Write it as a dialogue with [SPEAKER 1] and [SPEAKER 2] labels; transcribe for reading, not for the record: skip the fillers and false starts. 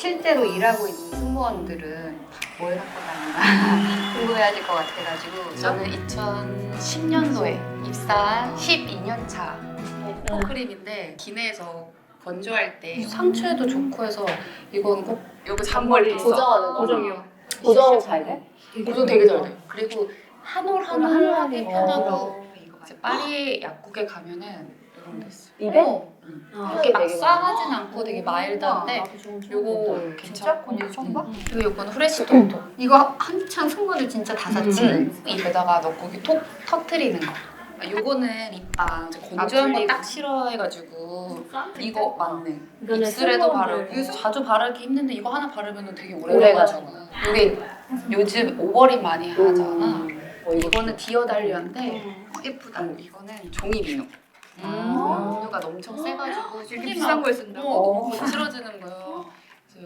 [SPEAKER 1] 실제로 일하고 있는 승무원들은 뭘 갖고 다니나 궁금해하실 것 같아가지고 저는 2010년도에 입사한 12년 차 크림인데 기내에서 건조할 때 상추에도 좋고 해서 이건 꼭 여기 잔머리
[SPEAKER 2] 고정하는 거.
[SPEAKER 3] 고정이요.
[SPEAKER 2] 고정 잘 돼?
[SPEAKER 1] 고정 되게 잘 돼. 그리고 한 올 한 올 하기 편하고 이제 파리 약국에 가면은 이런 데 있어요.
[SPEAKER 2] 입에?
[SPEAKER 1] 이렇게 막 싸하진 않고 되게 마일드한데 요거 괜찮고
[SPEAKER 3] 처음 봐?
[SPEAKER 1] 그리고 요거는 후레쉬 톡톡 이거 한창 승무원들 진짜 다 샀지? 입에다가 넣고 이렇게 톡 터트리는 거 요거는 립밤 건조한 거 딱 싫어해가지고 이거 맞네 입술에도 바르고 그래서 자주 바르기 힘든데 이거 하나 바르면 되게 오래 가잖아 이게 요즘 오버립 많이 하잖아 이거는 디어달리아인데 예쁘다 이거는 종이 비누 비누가 엄청 세가지고
[SPEAKER 3] 이렇게 비싼 걸 쓴다고?
[SPEAKER 1] 거칠어지는 거예요